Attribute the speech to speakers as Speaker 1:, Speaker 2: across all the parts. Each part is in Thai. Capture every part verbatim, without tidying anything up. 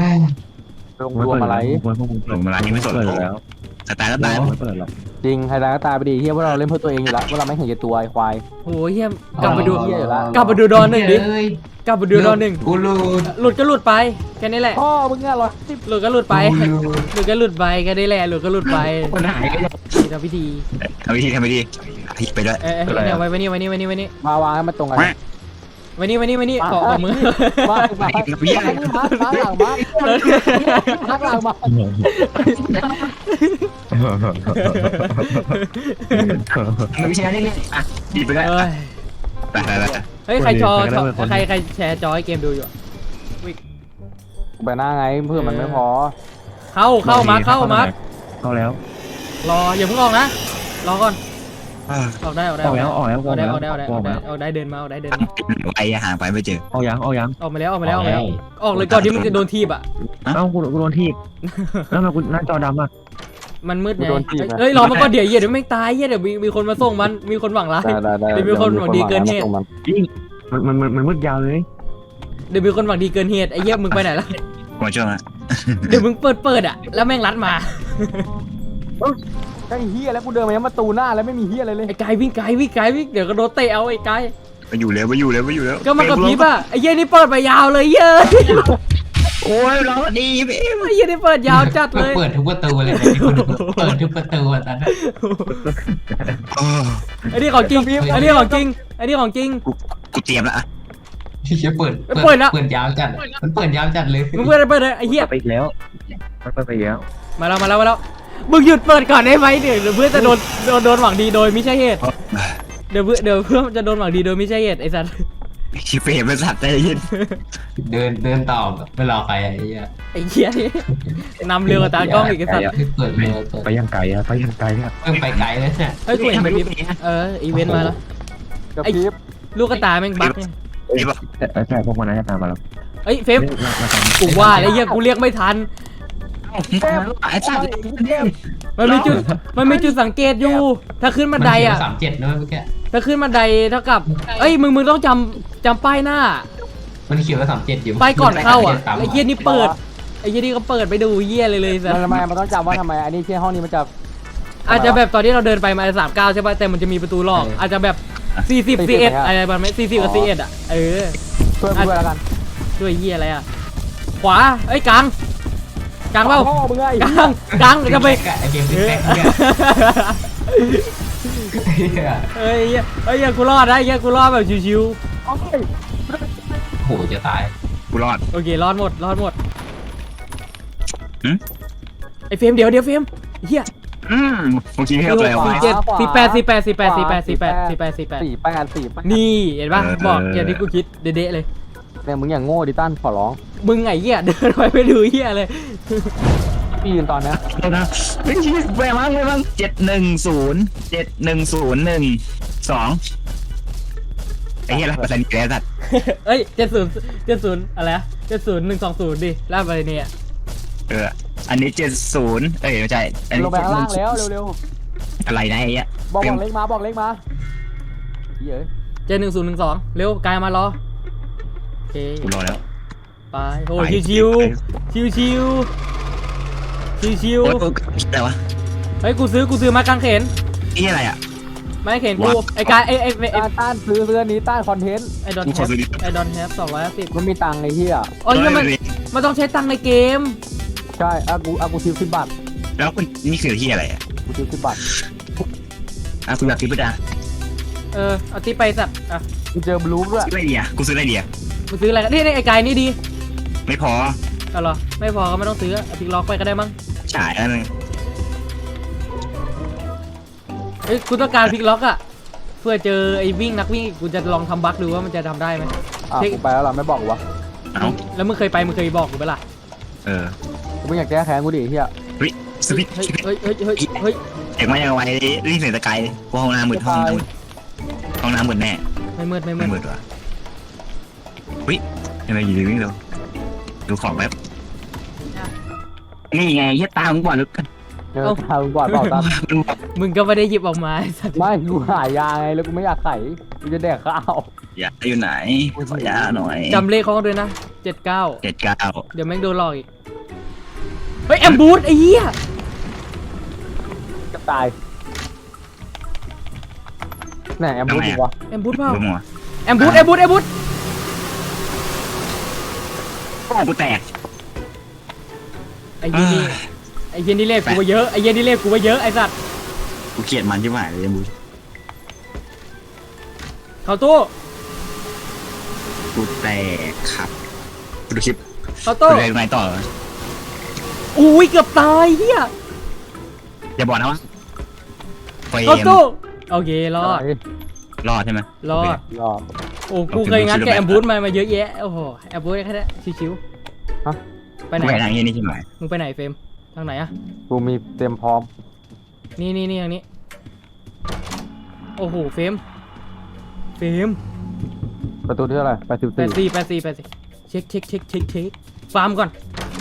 Speaker 1: ลงรวมอะไร
Speaker 2: พวกมึง
Speaker 3: หลงมาร้านนี้ไม่สน
Speaker 2: เปิด
Speaker 3: หรอก
Speaker 2: แล้ว
Speaker 3: สตาร์ก็ตาย
Speaker 2: ไม่เปิดหรอก
Speaker 1: จริงใครตายก็ตายไปดีเฮียพวกเราเล่นเพื่อตัวเองอยู่แล้วพวกเราไม่เห็นแก่ตัวไอ้ควาย
Speaker 4: โหเฮียกลับมาดู
Speaker 1: เหี้ยอยู่ละ
Speaker 4: กลับมาดูดอนหนึ่งดิ
Speaker 5: เอ้ย
Speaker 4: กลับมาดูดอนหนึ่ง
Speaker 5: กูหลุด
Speaker 4: หลุดก็หลุดไปแค่นี้แหละ
Speaker 1: พ่อมึงอะเหรอสิบ
Speaker 4: หลุดก็หลุดไป
Speaker 5: กูหลุด
Speaker 4: หลุดก็หลุดไปแค่นี้แหละหลุดก็หลุดไป
Speaker 2: คนหายก็ยัง
Speaker 4: นี่ทำพิธี
Speaker 3: ทำวิธีทำวิธีพิไปด้วย
Speaker 4: เอ้ยเอ้ยเนี่ยไว้ไว้นี่ไว้นี่ไว้นี่ไว้นี่
Speaker 1: มาวางให้มันตรงกัน
Speaker 4: ไว้นี่ไว้นี่ไว้นี่ขอขอมือ
Speaker 1: มามามามาหลังมาพักหลังมา
Speaker 3: มันไม่ใช่นี่อ่ะดีไปด้วย
Speaker 4: เอ้ย
Speaker 3: ไปไปไป
Speaker 4: เฮ้ยใครจอจอใครใครแชร์จอให้เกมดูอยู่อะ
Speaker 1: ไปหน้าไงเพื่อมันไม่พอ
Speaker 4: เข้าเข้ามาเข้ามา
Speaker 2: เข้าแล้ว
Speaker 4: รออย่าเพิ่งออกนะรอก่อน
Speaker 3: อ่า
Speaker 4: ออกได้ออกได้
Speaker 2: ออกแล้วออกแล้ว
Speaker 4: ออกได้ออกได้
Speaker 2: อ
Speaker 4: อ
Speaker 2: อ
Speaker 4: อก ก
Speaker 2: แล้
Speaker 4: ได้
Speaker 2: ว
Speaker 4: ออกได้เดินมาออกได้เดินมา
Speaker 3: ไปหาไปไม่เจอ
Speaker 2: ออกยังออกยัง
Speaker 4: ออกมาแล้วออกมาแล้วออกมาแล้วออกเลยก่อนที่มึงจะโดนทีบอ่ะ
Speaker 2: เอ้ากูกูโดนทีบแล้วมากูหน้าจอดำอ่ะ
Speaker 4: มันมืดไงเฮ้ยรอมาก่อนเดี๋ยวเหี้ยเดี๋ยวไม่ตายเหี้ยเดี๋ยวมีมีคนมาส่งมันมีคนหวังร้าย
Speaker 1: ได้ได้ได้
Speaker 4: เดี๋ยวมีคนหวังดีเกินเหตุ
Speaker 2: ยิ่งมันมันมันมันมืดยาวเลย
Speaker 4: เดี๋ยวมีคนหวังดีเกินเหตุไอ้เหี้ยมึงไปไหนล่ะ
Speaker 3: มาช่วงนะ
Speaker 4: เดี๋ยวมึงเปิดเปิดอ่ะแล้วแม่งรัดมา
Speaker 1: ไอ้เฮียแล้วกูเดินมายังประตูหน้าแล้วไม่มีเฮียอะไรเลย
Speaker 4: ไอ้กายวิ่งไกลวิ่งไกลวิ่งเดี๋ยวก็โดนเตะเอาไอ้กาย
Speaker 3: ไปอยู่แล้วไปอยู่แล้วไปอยู่แล้ว
Speaker 4: ก็มากับพีป่ะไอ้เหี้ยนี่เปิดไปยาวเลยเย้ย
Speaker 3: โอ้ยเราดีพี่
Speaker 4: ไอ้เหี้ยนี่เปิดยาวจัดเลย
Speaker 5: เปิดทุกประตูเลยเปิดทุกประตูอ่ะตอนนั้น
Speaker 4: ไอ้นี่ของจริงไอ้นี่ของจริงไอ้นี่ของจริง
Speaker 3: กูกูเตรียมแล้วอะ
Speaker 5: ที่จะเปิด
Speaker 4: เปิดแล้ว
Speaker 5: เปิดยาวจัดมันเปิดยาวจัดเลย
Speaker 4: มึงเปิดเปิดเลยไอ้เหี้ย
Speaker 2: ไปอีกแล้วไปอีกแล้ว
Speaker 4: มาแล้วมาแล้วมาแล้วมึงหยุดเปิดก่อนได้ไหมเดี๋ยวเดี๋ยวเพื่อนจะโดนโดนโดนหวังดีโดยไม่ใช่เหตุเดี๋ยวเพื่อนเดี๋ยวเพื่อนจะโดนหวังดีโดยไม่ใช่เหตุไอ้สัตว์
Speaker 3: ชีเฟรมเป็นสัตว์ใจเย็น
Speaker 5: เดินเดินต่อไม่รอใครไอ้เหี้ย
Speaker 4: ไอ้เหี้ยนี่นำเร็วกว่าตากล้องอีกไอ้สัตว์
Speaker 5: เปิดเลยเปิด
Speaker 2: ไปยังไกลอะไปยังไกลอะ
Speaker 5: เพิ่งไปไกลเลยเนี่ย
Speaker 4: เฮ้ยกูเห็นแบบนี้เอออีเวนต์มาแล้ว
Speaker 1: กระพริบ
Speaker 4: ลูกกระตายแม่งบั๊กไง
Speaker 3: นี่ปะ
Speaker 2: แต่แต่พวกมันน่าจะตามมาแล้ว
Speaker 4: เอ้ยเฟมกูว่าแล้วเหี้ยกูเรียกไม่ทัน
Speaker 3: ไอ้สัตว์
Speaker 4: มันมีจุดมันมีจุดสังเกตอยู่ ถ้าขึ้นบันไดอ่ะ
Speaker 5: สามเจ็ดนะเมื่อกี้
Speaker 4: ถ้าขึ้นบันไดเท่ากับเอ้ยมึงมึงต้องจำจำป้ายหน้า
Speaker 5: มันเขียนว่าสามเจ็ดอยู่
Speaker 4: ป้ายก่อนเข้าอ่ะไอ้เหี้ยนี่เปิดไอ้เหี้ยนี่ก็เปิดไปดูเหี้ยเลยเลยสัต
Speaker 1: มัน
Speaker 4: ว์
Speaker 1: ทำไมมันต้องจำว่าทำไมอันนี้ที่ห้องนี้มันจะ
Speaker 4: อาจจะแบบตอนที่เราเดินไปมาสามเก้าใช่ป่ะแต่มันจะมีประตูหลอกอาจจะแบบสี่สิบสี่เอ็ดอะไรประมาณนี้สี่สิบกับสี่เอ็ดอ่ะเออ
Speaker 1: ช่วยกูด้วยแล้วกัน
Speaker 4: ด้วยเหี้ยอะไรอ่ะขวาเอ้ยกลางกลางเปล่า
Speaker 1: พ่อมึงไง
Speaker 4: กลางกลางจะไป
Speaker 5: ไอเกมแรกเนี่ย
Speaker 4: เฮ้ยเหี้ยเฮ้ยเหี้ยกูรอดนะเหี้ยกูรอดแบบชิว
Speaker 1: โอ้ย
Speaker 5: โหจะตาย
Speaker 3: กูรอด
Speaker 4: ๆโอเครอดหมดรอดหมด
Speaker 3: หืม
Speaker 4: ไอ้เฟรมเดี๋ยวเดี๋ยวเฟรมเหี้ย
Speaker 3: อืมเมื่อกี้ให้เราอะไร
Speaker 4: สี่
Speaker 3: วะ
Speaker 4: เจ็ดสี่แปดสี่แปดสี่แปดสี่แปดสี่แปดสี่แปดสี่แปด
Speaker 1: สี่แปดสี่แปด
Speaker 4: นี่เห็นป่ะบอกอย่างที่กูคิดเด๊ะๆเลย
Speaker 1: เนี่ยมึงอย่างโง่ดิตั้นขอร้อง
Speaker 4: มึงไงเหี้ยเดินไปไม่ดูเหี้ยเลย
Speaker 1: พี่ยืนตอนนี้
Speaker 3: เดี๋ยวนะไม่ใช่แปลมั้งแปลมั้งเจ็ดหนึ่งศูนย์เจ็ดหนึ่งศูนย์หนึ่งสองไอ้เหี้ยอะไรภาษาอังกฤษไอ้สัตว์
Speaker 4: เอ้ยเจ็ดศูนย์เจ็ดศูนย์อะไรอะเจ็ดศูนย์หนึ่งสองศูนย์ดิล่าไปเนี่ย
Speaker 3: เอออันนี้เจ็ดศูนย์เอ้ยไม่ใช่อัน
Speaker 1: ล
Speaker 3: นี้
Speaker 1: งไปข้างล่างแล้วเร็ว
Speaker 3: อะไรนะไอ้เหี้ย
Speaker 1: ๆบอกบอกเล็กมาบอกเล็กมาเย้ย
Speaker 4: เจ็ดหนึ่งศูนย์หนึ่งสองเร็วกายมารอโอเค
Speaker 3: กูรอแล้ว
Speaker 4: ไปโอ้ยชิวชิวชิวชิวชิว
Speaker 3: โอ๊ยโอ๊ยอะไรวะ
Speaker 4: เฮ้ยกูซื้อกูซื้อไม้กางเขน
Speaker 3: นี่อะไรอ่ะ
Speaker 4: ไม้กางเขนกูไอ้กายไอ้ไอ้ไอ้
Speaker 1: ต้านต้านซื้อเสื้อนี้ต้านคอนเทนต์
Speaker 4: ไอ้ดอน
Speaker 3: กู
Speaker 4: แฮ
Speaker 3: ขอ
Speaker 4: ป
Speaker 3: ซื้อดิ
Speaker 4: ไอ้ดอนแฮปสองร้อยห้าสิบ
Speaker 1: มันมีตังค์ไอ้เหี้ย
Speaker 4: อ๋อเนี่ยมันมันต้องใช้ตังค์ในเกม
Speaker 1: ใช่อากูอากูทิวสิบบาท
Speaker 3: แล้วคุณนี่คือที่อะไรอ่ะ
Speaker 1: กูทิวสิบบาท
Speaker 3: อ่ะคุณแบบทิปดา
Speaker 4: เออเอาที่ไปสัตว์อ่ะ
Speaker 1: กูเจอบลูฟด้วย
Speaker 3: ซื้ออะไรดีอ่ะกูซื้ออะไรดีอ่ะ
Speaker 4: มึงซื้ออะไรกันนี่นี่ไอ้กายนี่ดี
Speaker 3: ไม่พอ
Speaker 4: เอาเหรอไม่พอก็ไม่ต้องซื้อเอาพิกล็อกไปก็ได้มั้ง
Speaker 3: ฉายอันนึง
Speaker 4: เอ้ยกูต้องการพิกล็อกอะเพื่อเจอไอ้วิ่งนักวิ่งกูจะลองทำบั๊กดูว่ามันจะทำได้ไหม
Speaker 1: อ่ะกูไปแล้วล่ะไม่บอกกูวะ
Speaker 3: เอ้า
Speaker 4: แล้วมึงเคยไปมึงเคยบอกกูไหมล่ะ
Speaker 3: เออ
Speaker 1: กูไม่อยากแก้แค้นกูดิไอ้เหี้ย
Speaker 3: เฮ้ยสวิต
Speaker 4: เฮ้ยเฮ้ยเฮ้ยเฮ้ยเฮ้ย
Speaker 3: เด็กมายังไงรีบเสียงตะไคร้กูห้องน้ำมืดห้องน้ำมืดห้องน้ำมืดแน่
Speaker 4: ไม่มืดไม่มื
Speaker 3: ไม่
Speaker 4: ด
Speaker 3: มืดว่ะเฮ้ยอะไรอยู่ดีวิ่งเร็วดูของแป๊บนี่ไงยัดตามึงก่อนลึกกัน
Speaker 1: เออทางก่อนเปล่าตาม
Speaker 4: มึงก็ไม่ได้หยิบออกมาไอ้สัตว์
Speaker 1: ไม่กูหายาไงแล้วกูไม่อยากไขกูจะแดกข้าว
Speaker 3: ยาอยู่ไหนขอยาหน่อย
Speaker 4: จำเลขเขาด้วยนะเจ็ดเก้า
Speaker 3: เจ็ดเก้า
Speaker 4: เดี๋ยวแม่งโดนหลอกอีกเฮ้ยแอมบูธไอ้เหี้ย
Speaker 1: จะตายไหนแอมบูดอยู่วะ
Speaker 4: แอมบูธเปล่า
Speaker 3: ดูมัว
Speaker 4: แอมบูธแอมบูธแอมบูธ
Speaker 3: โอ้กูแตก
Speaker 4: ไอ้เหี้ยนี่ไอ้เหี้ยนี่เลขกูไปเยอะไอ้เหี้ยนี่เลขกูไปเยอะไอ้สัตว์
Speaker 3: กูเกลียดมันที่หมายเลยยังบู
Speaker 4: เขาตู้
Speaker 3: กูแตกครับกูดูคลิป
Speaker 4: เขา
Speaker 3: กู
Speaker 4: ตู้
Speaker 3: เลยไงต่อ
Speaker 4: อุ้ยเกือบตายเหี้ย
Speaker 3: อย่าบอกนะว่าเฟร
Speaker 4: เขา
Speaker 3: ม
Speaker 4: ตู้โอเครอด
Speaker 3: รอดใช่ไหม
Speaker 4: รอด
Speaker 1: รอ
Speaker 4: โอ้กูเคยงัดกับแอมบูธมามาเยอะแยะโอ้โหแอมบูธแค่นี้ชิวๆไปไหน
Speaker 3: กูไปทางนี้นี่ใช่ไหม
Speaker 4: มึงไปไหนเฟรมทางไหนอะ
Speaker 1: กูมีเตรียมพร้อม
Speaker 4: นี่นี่นี่ทางนี้โอ้โหเฟรมเฟรม
Speaker 1: ประตูที่เท่าไหร่แปดสิบ
Speaker 4: แป
Speaker 1: สี่
Speaker 4: ดสี่แปดสี่แปดสี่เช็คเช็คเช็คเช็คเช็คฟาร์มก่อน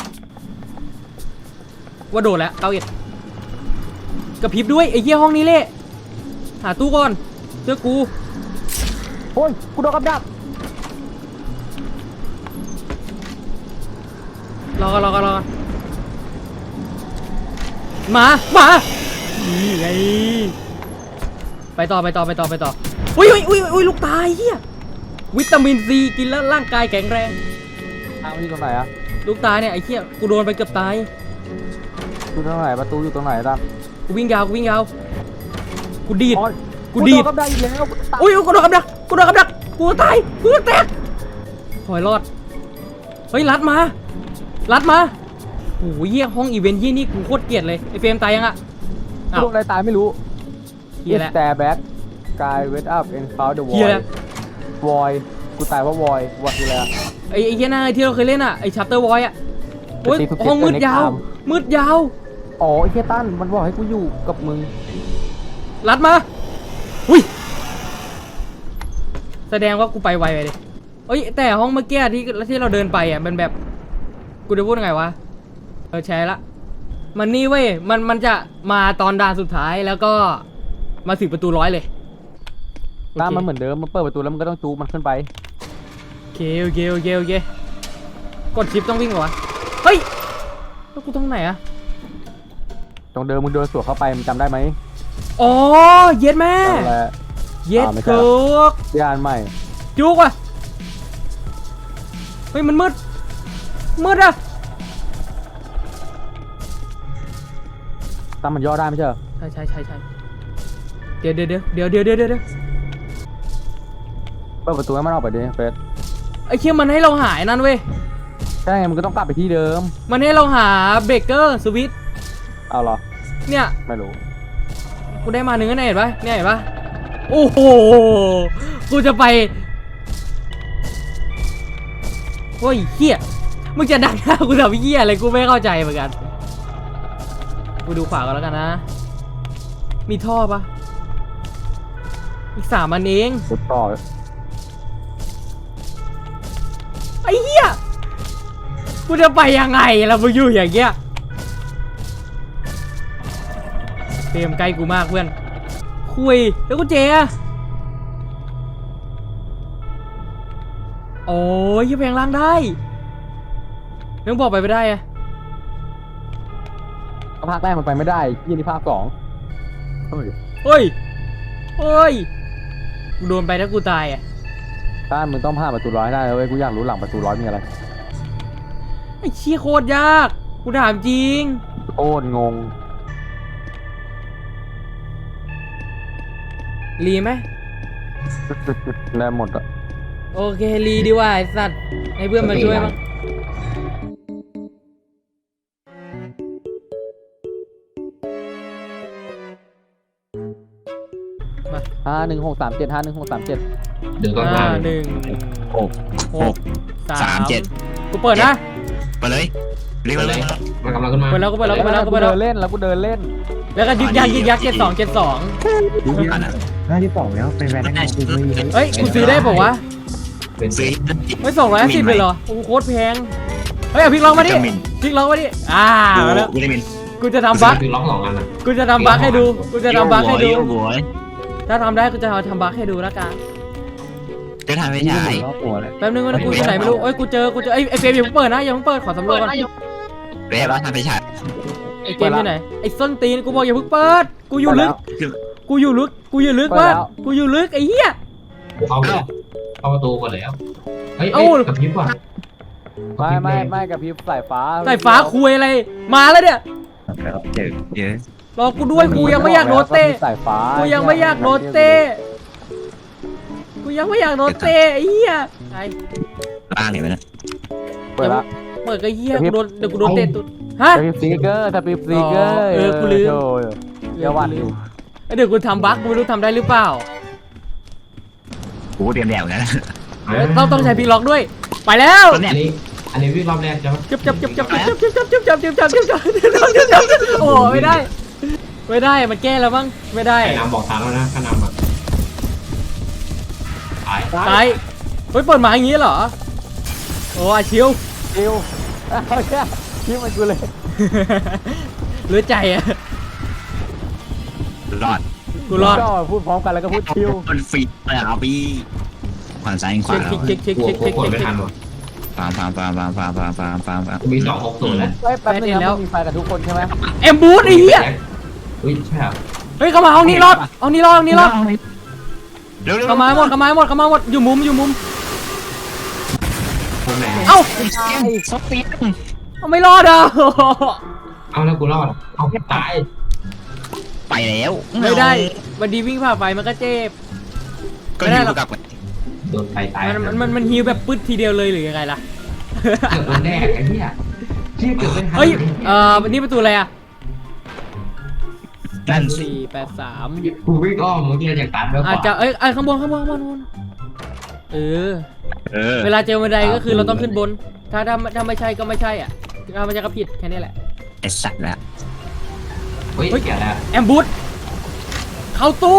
Speaker 4: ว่าโดดแล้วเก้าเอ็ดกระพริบด้วยไอ้เหี้ยห้องนี้เละหาตู้ก่อนเจอกู
Speaker 1: โอ้ยกูโดนกับดัก
Speaker 4: รอกันรอกันรอกันมามานี่ไงไปต่อไปต่อไปต่อไปต่ออุ้ยอุ้ยอุ้ยอุ้ยลูกตายเหี้ยวิตามินซีกินแล้วร่างกายแข็งแรง
Speaker 1: ทางที่ตรงไหนอะ
Speaker 4: ลูกตายเนี่ยไอ้เหี้ยกูโดนไปเกือบตาย
Speaker 1: อยู่ตรงไหนประตูอยู่ตรงไหนตั้ม
Speaker 4: กูวิ่งยาวกูวิ่งยาวกูดีด
Speaker 1: โอ้ย
Speaker 4: กูดีด
Speaker 1: โนกับดักอีกแล้วกูตาย
Speaker 4: อุ้ยกูโดนกับดักกูโดนกับดักกูตายกูแตกถอยรอดเฮ้ยรัดมารัดมาโอ้ยเหี้ยห้องอีเวนต์ยี่นี่กูโคตรเกลียดเลยไอ้เฟรมตายยังอะ
Speaker 1: กูโดนอะไรตายไม่รู้
Speaker 4: เหี้ยแหละ
Speaker 1: แต่แบ็กกายเวทอัพเอ็นคาวเดอะวอ
Speaker 4: เหี้ย
Speaker 1: ย
Speaker 4: แหละ
Speaker 1: วอยกูตายเพราะวอยวอยคืออะไรอะ
Speaker 4: ไอ้ไอ้เหี้ยหน้าที่เราเคยเล่นอะไอ้ชัปเตอร์วอยอะโอ้ย
Speaker 1: ตีทุก
Speaker 4: ห้องมืด
Speaker 1: เกม
Speaker 4: ยาว
Speaker 1: ใน
Speaker 4: มืดยาว
Speaker 1: อ๋อไอ้เฮียตั้นมันบอกให้กูอยู่กับมึง
Speaker 4: รัดมาอุ้ยแสดงว่ากูไปไวไปเลยเอ้ยแต่ห้องเมื่อกี้ที่ที่เราเดินไปอะมันแบบกูจะพูดยังไงวะเออแชร์ละมันนี่เว้ยมันมันจะมาตอนด่านสุดท้ายแล้วก็มาถึงประตูร้อยเลยโอ
Speaker 1: ตั้น
Speaker 4: เค
Speaker 1: มันเหมือนเดิมมันเปิดประตูแล้วมันก็ต้องจูบมันขึ้นไป
Speaker 4: โอเคโอเคโอเคโอเคกดชิปต้องวิ่งเหรอวะเฮ้ยแล้วกูต้องไหนอะ
Speaker 1: ตรงเดิมมึงเดินสวนเข้าไปมึงจำได้ไหม
Speaker 4: อ๋อเย็ดแม่
Speaker 1: นั่นแหละ
Speaker 4: เย็ด
Speaker 1: อ่าไม่ใช่
Speaker 4: จุก
Speaker 1: ยานใหม่
Speaker 4: จุกว่ะเฮ้ยมันมืดมืดอะ
Speaker 1: ตั้นมันย่อได้ไม่ใช่เหรอ
Speaker 4: ใช่ใช่ใช่ใช่เดี๋ยวเดี๋ยวเดี๋ยวเดี๋ยวเดี๋ยวเดี๋ยวเดี๋ยว
Speaker 1: เปิดประตูให้มันออกไปดิเฟส
Speaker 4: ไอ้เคียมันให้เราหายนั่นเว้ย
Speaker 1: ใช่ไงมึงก็ต้องกลับไปที่เดิม
Speaker 4: มันให้เราหาเบรกเกอร์สวิตช์
Speaker 1: เอาเหรอ
Speaker 4: เนี่ย
Speaker 1: ไม่รู้
Speaker 4: กูได้มาหนึ่งแล้วเนี่ยเห็นปะเนี่ยเห็นปะโอ้โหกูจะไปโอ้ยเฮียมึงจะดักหน้ากูทำเฮียอะไรกูไม่เข้าใจเหมือนกันกูดูขวากันแล้วกันนะมีท่อปะอีกสามอันเอง
Speaker 1: สุดต่อ
Speaker 4: ไอ้เหี้ยกูจะไปยังไงล่ะมึงอยู่อย่างเงี้ยเฟรมใกล้กูมากเพื่อนคุยแล้วกูเจอะโอ้ยยังแพงล่างได้นึกบอกไปไม่ได้อะ
Speaker 1: ภาคแรกมันไปไม่ได้ยี่นี่ภาคสองเฮ้ย
Speaker 4: เฮ้ยเฮ้ยกูโดนไปแล้วกูตายอะ
Speaker 1: ต้านมึงต้องผ่านประตูร้อยให้ได้นะเว้ยกูอยากรู้หลังประตูร้อยมีอะไร
Speaker 4: ไอ้เชี่ยโคตรยากกูถามจริง
Speaker 1: โอ้งง
Speaker 4: รีไหม
Speaker 1: ได้หมดอะ
Speaker 4: โอเครีดีกว่าไอ้สัตว์ให้เพื่อนมาช่วยมั้งมา
Speaker 1: ห้าหนึ่งหกสามเจ็ดห้าหนึ่งหกสามเจ็ด
Speaker 5: เดี๋ยวก็
Speaker 4: ห้า
Speaker 5: มา
Speaker 4: หนึ่ง
Speaker 3: หก
Speaker 4: ห
Speaker 3: ห
Speaker 4: ก
Speaker 3: ก
Speaker 4: สา
Speaker 3: สาม
Speaker 4: ม
Speaker 3: เจ็ด
Speaker 4: กูเปิดนะ
Speaker 3: ไปเลยเรียก
Speaker 5: ไป
Speaker 3: มา
Speaker 5: เล
Speaker 3: เลย ย
Speaker 5: มันกำลังขึ้นมา
Speaker 4: เปิดแล้วก็เปิดแล้วก็เปิดแล้วก็เปิดแล้วก็
Speaker 1: กู
Speaker 4: เปิดแล้
Speaker 1: เดิ
Speaker 4: วน
Speaker 1: เล่นแล้วกูเดินเล่น
Speaker 4: แล้วก็ยึกยักยึกยักเจ็ดสองเจ็ดสอง
Speaker 2: ดูที่
Speaker 3: อันนั้น
Speaker 2: หน้าที่สองแล้วเป็นแฟนได้ไงกูไม่มี
Speaker 4: เฮ้ยกูซื้อได้ป่าวะ
Speaker 5: เป็น
Speaker 3: ซื้อ
Speaker 4: ไม่สองร้อยห้าสิบเลยเหรอโอ้โหโคตรแพงเฮ้ยเอาพลิกล็อกมาดิ
Speaker 3: วิตามิน
Speaker 4: พลิกล็อกมาดิอ่า
Speaker 3: ดู
Speaker 4: มาแล้ว
Speaker 3: วิตามิน
Speaker 4: กูจะทำบั๊ก
Speaker 5: คือล็อกสองอันนะ
Speaker 4: กูจะทำบั๊กให้ดูกูจะทำบั๊กให้ดู
Speaker 3: โอ้โห
Speaker 4: ถ้าทำได้กูจะทำบั๊กให้ดูแล้วกัน
Speaker 3: จะทำไม่ใช่
Speaker 2: รอบตัวเลย
Speaker 4: แป๊บนึงว่ากูอยู่ไหนไม่รู้เอ้ยกูเจอกูเจอไอ้ไอ้เฟรมอย่าเพิ่งเปิดนะอย่าเพิ่งเปิดขอสำรวจก่อน
Speaker 3: เรียบร้อยทำไม่ใช่
Speaker 4: ไอ้เกมอยู่ไหนไอ้ส้นตีนกูบอกอย่าเพิ่งเปิดกูอยู่ลึกกูอยู่ลึกกูอยู่ลึกมากกูอยู่ลึกไอ้เหี้ย
Speaker 5: กูเข้าไปแล้วเข้าประตูก่อนแล้วเฮ้ย
Speaker 4: เอ้า
Speaker 5: เอ้ยกับพริบว่ะ
Speaker 1: ไม่ไม่ไม่กับพริบสายฟ้า
Speaker 4: สายฟ้าคุยอะไรมาแล้วเนี่ย
Speaker 2: แล้วเจอเจอ
Speaker 4: รอกูด้วยกูยังไม่อยากโดนเตะ
Speaker 1: สายฟ้า
Speaker 4: กูยังไม่อยากโดนเตะกูยังไม่อยากโดนเตะไอ้เหี้ยไอ้
Speaker 3: ล่างเนี่ยนะ
Speaker 1: เปิดละ
Speaker 4: เปิดก็เหี้ยกูโดนเดี๋ยวกูโดนเตะตุ๊ดฮะ
Speaker 1: สปิปซีเกอร์สปิปซีเกอร์
Speaker 4: เออกูลืม
Speaker 1: เดี๋ยววันอยู่
Speaker 4: เดี๋ยวกูทำบั๊กกูไม่รู้ทำได้หรือเปล่า
Speaker 3: โอ้เตรียมแดวนะ
Speaker 4: เอ้ยต้องต้องใช้พีล็อกด้วยไปแล้ว
Speaker 3: ตัวเนี้
Speaker 5: อั
Speaker 3: ย
Speaker 5: นนี้อันนี้วิ่งรอบแรกใช่ไหม
Speaker 4: จับจับจับจับจับจับจับจับจับจับจับจับจับจับจับจับโอ้ไม่ได้ไม่ได้มันแก้แล้วมั้งไม่ได้
Speaker 5: ไอ้นำบอกทางแล้วนะข้านำอ่ะตาย
Speaker 4: ตายเฮ้ยเปิดมาอย่างงี้เหรอโอ้อาชิว
Speaker 1: คิวเอาแค่คิวมันกูเลย
Speaker 4: เหลือใจอะ
Speaker 3: รอด
Speaker 4: กูรอด
Speaker 1: ก็พูดพร้อมกันแล้วก็พูดคิว
Speaker 3: มันฟีดเลยครับพี่ขวานซ้ายขวา
Speaker 4: เช็ค
Speaker 3: แล้ว
Speaker 4: เช็คเช็ค
Speaker 5: กลัว
Speaker 4: เช็ค
Speaker 5: กลัว
Speaker 4: เช็ค
Speaker 5: กด
Speaker 4: เช็ค
Speaker 5: ไม่ทันว่ะ
Speaker 3: ฟาร์มฟาร์มฟาร์มฟาร์มฟาร์มฟาร์มฟาร์มฟาร์มฟาร์ม
Speaker 5: กูมีสองหกศูนย์แล้ว
Speaker 1: เฮ้ยแป๊บนึงนะมีไฟกับทุกคนใช่ไหม
Speaker 4: เอ็มบูธไอ้เหี้ย
Speaker 5: อุ้ยใช่เหรอ
Speaker 4: เฮ้ยเข้ามาห้องนี้รอดห้องนี้รอดห้องนี้รอด
Speaker 3: เร็วเร็ว
Speaker 4: เข้ามาให้หมดเข้ามาให้หมดเข้ามาให้หมดอยู่มุมอยู่มุม
Speaker 5: ตรงไหน
Speaker 4: เอ้า
Speaker 3: ซอฟต์เปีย
Speaker 4: เอาไม่รอดอ่ะ
Speaker 5: เอาแล้วกูรอดเอาตาย
Speaker 3: ไปแล้ว
Speaker 4: ไม่ได้วันดีวิ่งผ่าไฟมันก็เจ็บ
Speaker 3: ก็อยู่กับ
Speaker 5: โดนไฟตาย
Speaker 4: มันมันมันมันฮิวแบบปึ๊ดทีเดียวเลยหรือยังไงล่ะ
Speaker 5: เกือบโดนแน่ไอ้เหี้ยเชี่ยเกือบไม่ทัน
Speaker 4: เฮ้ยเอ่อนี่ประตูอะไรอ่ะ
Speaker 3: นั่น
Speaker 4: สี่แปดสาม
Speaker 5: กูวิ่งอ้อมเมื่อกี้จากตัดไปข
Speaker 4: อาจ
Speaker 5: วา
Speaker 4: จะเอ้ยไอ้ข้างบนข้างบนข้างบนข้างบนเออ
Speaker 3: เออ
Speaker 4: เวลาเจอบันไดก็คือเราต้องขึ้นบน ถ้าถ้าถ้าไม่ใช่ก็ไม่ใช่อ่ะถ้าไม่ใช่ก็ผิดแค่นี้แหละ
Speaker 3: ไอสัตว์แล้ว
Speaker 5: เฮ้ยเกี่ยวแล้ว
Speaker 4: แอมบูธเข้าตู้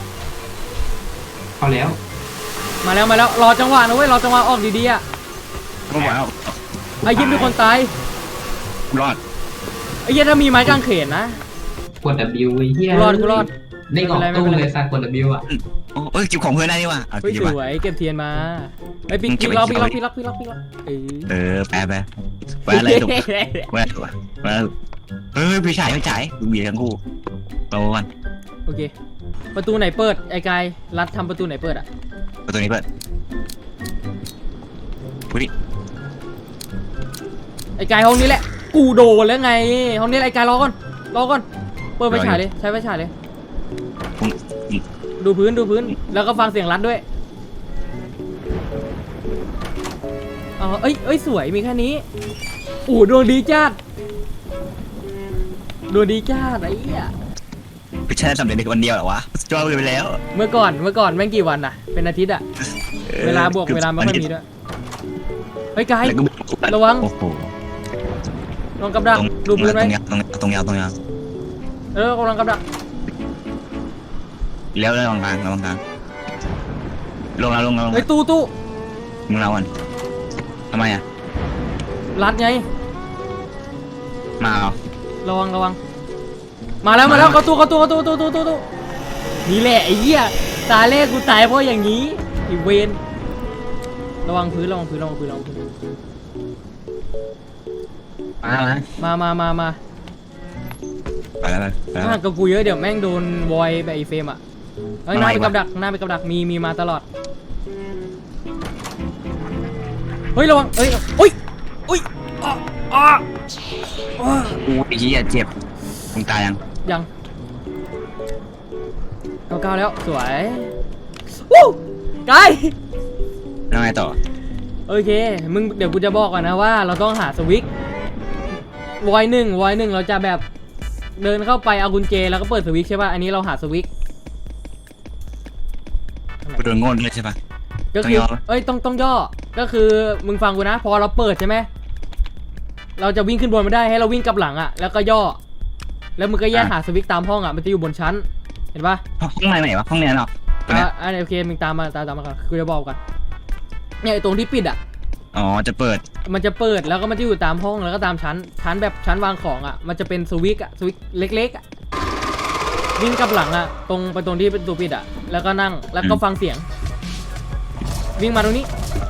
Speaker 5: เข้าแล้ว
Speaker 4: มาแล้วมาแล้วรอจังหวะนะเว้ยรอจังหวะออกดีๆอ่ะ
Speaker 3: ก็บอกแล้ว
Speaker 4: ไอ้ยิ้มเป็นคนตาย
Speaker 3: รอด
Speaker 4: ไอ้เหี้ยถ้ามีไม้กางเขนนะ
Speaker 5: กด W ไอ้เหี้ย
Speaker 4: กูรอดกูรอด
Speaker 5: ได้กล่องตู้เลยสัตว์กด W อ่ะ
Speaker 3: โอ้เอ้ยจิบของเพื่อนได้นี่ว่ะเอา
Speaker 4: เฮ้ย
Speaker 3: จิบ
Speaker 4: ส
Speaker 3: ว่ะ
Speaker 4: วยเก็บเทียนมาไอ้ยปิก
Speaker 3: มึงเก็
Speaker 4: ปิ
Speaker 3: บ
Speaker 4: กล็อก
Speaker 3: ไว้
Speaker 4: ปิกล็อกปิกล็อกปิกล็อกปิกล็อกเออ
Speaker 3: เออแปะแปะแปะอะไรถูกแปะถูกแปะเฮ้ยพี่ชายพี่ชายดูเบียร์ทั้งคู่โตกัน
Speaker 4: โอเคประตูไหนเปิดไอ้กายรัดทำประตูไหนเปิดอ่ะ
Speaker 3: ประตูนี้เปิดพูดดิ
Speaker 4: ไอ้กายห้องนี้แหละกูโดนแล้วไงห้องนี้แหละไอ้กายรอก่อนรอก่อนเปิดไฟฉายเลยใช้ไฟฉายเลย
Speaker 3: ผม
Speaker 4: ดูพื้นดูพื้นแล้วก็ฟังเสียงรัดด้วยอ๋อเอ้ยเอ้ยสวยมีแค่นี้อู้ดวงดีจัดดวงดีจัดไอ้เหี้ย
Speaker 3: พี่ชายสำเร็จในวันเดียวเหรอวะจอยไปแล้ว
Speaker 4: เมื่อก่อนเมื่อก่อนแม่งกี่วันอะเป็นอาทิตย์อะเวลาบวกเวลาไม่ค่อยมีด้วยเฮ้ยกายระวัง
Speaker 3: โอ้โห
Speaker 4: ลองกับดักดูพื้นไว้
Speaker 3: ตรงตรงยาวตรงยาว
Speaker 4: เออกำลังกับดัก
Speaker 3: แล้วแล้วลงกลางลงกลางลงแล้วลงแล้วลง
Speaker 4: เฮ้ยตู้ตู้
Speaker 3: มึงเราวันทำไมอ่ะ
Speaker 4: รัดไง
Speaker 3: มาเอา
Speaker 4: ระวังระวังมาแล้วมาแล้วเข้าตู้เข้าตู้เข้าตู้ตู้ตู้ตู้ตู้นี่แหละไอ้เหี้ยตาแรกกูตายเพราะอย่างนี้ไอ้เวนระวังพื้นระวังพื้นระวังพื้นระวังพื้น
Speaker 3: มาแล้ว
Speaker 4: มามามามา
Speaker 3: ไปแล้วไปแล้ว
Speaker 4: ถ้ากับกูเยอะเดี๋ยวแม่งโดนวอยแบบไอ้เฟรมอ่ะเฮ้ยหน้าไปกับดักหน้าไปกับดักมีมีมาตลอดเฮ้ยระวังเฮ้ยอุ้ยอุ้ยอ่ะอ่ะอ่ะ
Speaker 3: อู้ไอ้เหี้ยเจ็บมึงตายยัง
Speaker 4: ยังเก้าเก้าแล้วสวยวู้ไกล
Speaker 3: แล้วไงต่อ
Speaker 4: โอเคมึงเดี๋ยวกูจะบอกก่อนนะว่าเราต้องหาสวิกวอยหนึ่งวอยหนึ่งเราจะแบบเดินเข้าไปเอากุญแจแล้วก็เปิดสวิกใช่ป่ะอันนี้เราหาสวิก
Speaker 3: กูโดนโง่เลยใช่ปะ
Speaker 4: ก็คือ
Speaker 3: ต้องย่อ
Speaker 4: เอ้ยต้องต้องย่อก็คือมึงฟังกูนะพอเราเปิดใช่ไหมเราจะวิ่งขึ้นบนไม่ได้ให้เราวิ่งกลับหลังอ่ะแล้วก็ย่อแล้วมึงก็แยกหาสวิกตามห้องอ่ะมันจะอยู่บนชั้นเห็นปะ
Speaker 3: ห้องไหนไหนวะห้องนี้เนาะ
Speaker 4: อ่ะอันนี้โอเคมึงตามมาตามตามมาก่อนกูจะบอกกันเนี่ยไอ้ตรงที่ปิดอ่ะ
Speaker 3: อ๋อจะเปิด
Speaker 4: มันจะเปิดแล้วก็มันจะอยู่ตามห้องแล้วก็ตามชั้นชั้นแบบชั้นวางของอ่ะมันจะเป็นสวิกอ่ะสวิกเล็กๆอ่ะวิ่งกลับหลังอ่ะตรงไปตรงที่เป็นตัวปิดอ่ะแล้วก็นั่งแล้วก็ฟังเสียงวิ่งมาตรงนี้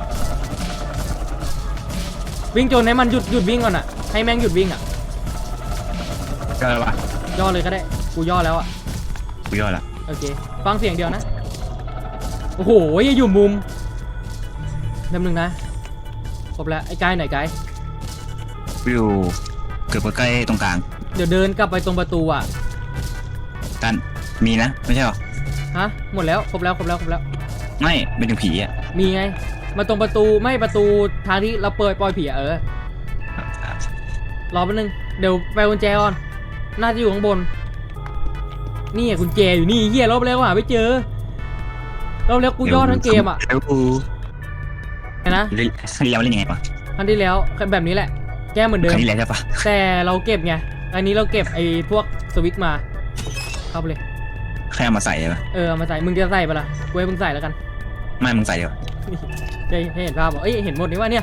Speaker 4: วิ่งจนให้มันหยุดหยุดวิ่งก่อนอ่ะให้แม่งหยุดวิ่งอ่ะ
Speaker 3: เจอปะ
Speaker 4: ย่อเลยก็ได้กูย่อแล้วอ่ะ
Speaker 3: กูย่อละ
Speaker 4: โอเคฟังเสียงเดียวนะโอ้โหอยู่มุมนิดนึงนะครบแล้วไอ้กายไหนกาย
Speaker 3: วิวเกือบใกล้ตรงกลาง
Speaker 4: เดี๋ยวเดินกลับไปตรงประตูอ่ะ
Speaker 3: กันมีนะไม่ใช่หรอ
Speaker 4: ฮะหมดแล้วครบแล้วครบแล้วครบแล้ว
Speaker 3: ไม่เป็นถึงผีอ่ะ
Speaker 4: มีไงมาตรงประตูไม่ประตูทางที่เราเปิดปล่อยผีอะเออรอแป๊บนึงเดี๋ยวไปกุญแจก่อนน่าจะอยู่ข้างบนนี่กุญแจอยู่นี่เฮียรอบแล้วหาไม่เจอรอบแล้วกูย่อทั้งเกมอ่ะ
Speaker 3: เดี๋ยวกู
Speaker 4: ไงนะ
Speaker 3: เรียนเล่นยังไงปะ
Speaker 4: ครั้งที่แล้วแบบนี้แหละแก้เหมือนเดิ
Speaker 3: ค
Speaker 4: ม
Speaker 3: รั้งที่แล้วใช่ปะ
Speaker 4: แต่เราเก็บไงอันนี้เราเก็บไอ้พวกสวิตช์มาเข้าไปเลย
Speaker 3: แค่เอามาใส่เลยปะ
Speaker 4: เออเอามาใส่มึงจะใส่ปะล่ะกูให้มึงใส่แล้วกัน
Speaker 3: ไม่มึงใส่เดียวา
Speaker 4: จะให้เห็นภาพบอกเอ้ยเห็นหมดนี่ว่าเนี่ย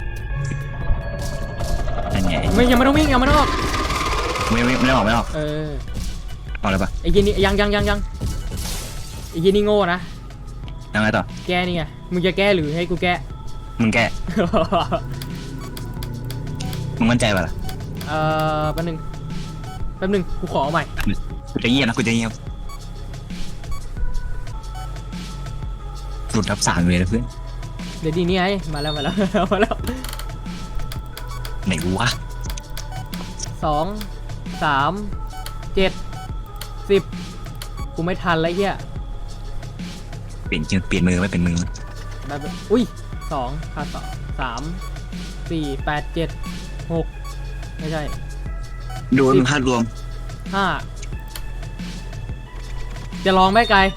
Speaker 3: นั่นไง
Speaker 4: ไม่ยังไม่ต้องวิ่งยังไม่ต้องออก
Speaker 3: ไม่ไม่ไม่ได้ออกไม่ได้ออก
Speaker 4: เออ
Speaker 3: ออกเลยปะ
Speaker 4: ไอ้ยีนี่ยังยังยังยังไอ้ยีนี่โง่นะ
Speaker 3: ยังไงต่อ
Speaker 4: แก้นี่ไงมึงจะแก้หรือให้กูแก้
Speaker 3: มึงแก้มึงมั่นใจปะล่ะ
Speaker 4: เอ่อแป๊บนึงแป๊บนึงกูขอเอาใหม่
Speaker 3: กูจะเงียบนะกูจะเงียบหลุดทับสามเลยนะเพื่อน
Speaker 4: เดี๋ยวดีนี่ไงมาแล้วมาแล้ว มาแล้ว
Speaker 3: ไหนวะ
Speaker 4: สองสามเจ็ดสิบกูไม่ทันแล้วเฮีย
Speaker 3: เปลี่ยนจริงเปลี่ยนมือไม่เป็นมือ
Speaker 4: แบบอุ้ยสองขาดสองสามสี่แปดเจ็ดหกไม่ใช่
Speaker 3: ดูมึงพลาดรวม
Speaker 4: ห้าจะลองไหมไกล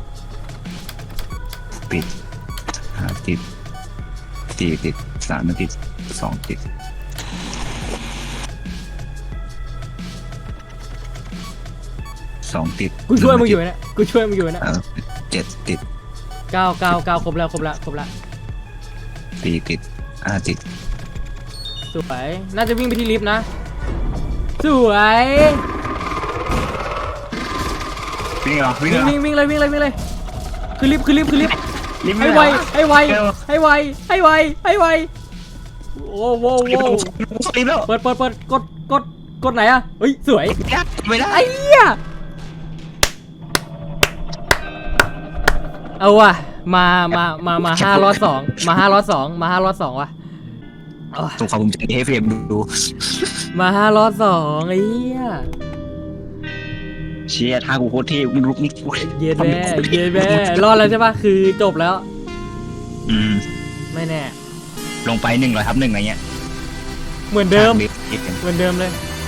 Speaker 3: ปิดห้าติดสี่ติดสามติดสองติดสองติด
Speaker 4: กูช่วยมึงอยู่นะกูช่วยมึงอยู่นะ
Speaker 3: เออเจ็ดติด
Speaker 4: เก้าเก้าเก้าครบแล้วครบแล้วครบแล้ว
Speaker 3: สี่ติดห้าติด
Speaker 4: สวยน่าจะวิ่งไปที่ลิฟต์นะสวย
Speaker 3: วิ่งเหรอวิ่งเหร
Speaker 4: วิ่ง
Speaker 3: อ
Speaker 4: วิ่งวิ่งเลยวิ่งเลยวิ่งเลยคือลิฟต์คือลิฟต์คือลิฟต์
Speaker 3: รีบ
Speaker 4: ให้ไวให้ไวให้ไวให้ไวให้ไวโอ้โห
Speaker 3: รีบ
Speaker 4: โว้
Speaker 3: รีบแล้ว
Speaker 4: เปิดเปิดเปิดกดกดกดไหนอะเฮ้ยสวย
Speaker 3: ไม่ได้
Speaker 4: ไอ้เหี้ยเอาว่ะมามามามาห้ารอดสองมาห้ารอดสองมาห้ารอดสองว่ะเอาว่ะ
Speaker 3: ส่งความภูมิใจให้เฟรมดู
Speaker 4: มาห้ารอดสองไอ้เหี้ย
Speaker 3: เชียร์ท่ากูโคตรเท่มึงลุกนี่
Speaker 4: เย็นแม่เย็นแม่รอดแล้วใช่ปะคือจบแล้ว
Speaker 3: อืม
Speaker 4: ไม่แน่
Speaker 3: ลงไปหนึ่งร้อยทับหนึ่งอะไรเงี้ย
Speaker 4: เหมือนเดิม
Speaker 3: อีก
Speaker 4: เหมือนเดิมเลย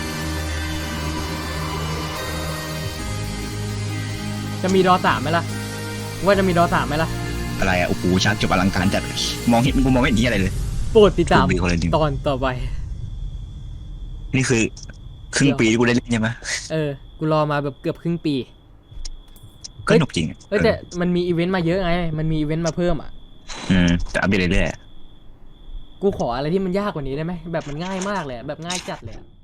Speaker 4: จะมีดอสามไหมล่ะ ว่าจะมีดอสามไหมล่ะ
Speaker 3: อะไรอ่ะโอ้โหฉากจบอลังการจัดมองเห็นกูมองไม่เห็นที่อะไรเลย
Speaker 4: โปรดติดตาม
Speaker 3: ดูดีคนละหนึ่ง
Speaker 4: ตอนต่อไป
Speaker 3: นี่คือครึ่งปีที่กูได้เล่นใช่ไหม
Speaker 4: เออ กูรอมาแบบเกือบครึ่งปี
Speaker 3: ก็หนุกจริง
Speaker 4: เอ้ยแต่มันมีอีเวนต์มาเยอะไง มันมีอีเวนต์มาเพิ่มอ่ะ
Speaker 3: อืมแต่อัปเดตเรื่อย
Speaker 4: กูขออะไรที่มันยากกว่านี้ได้ไหม แบบมันง่ายมากเลยอะแบบง่ายจัดเลยอะ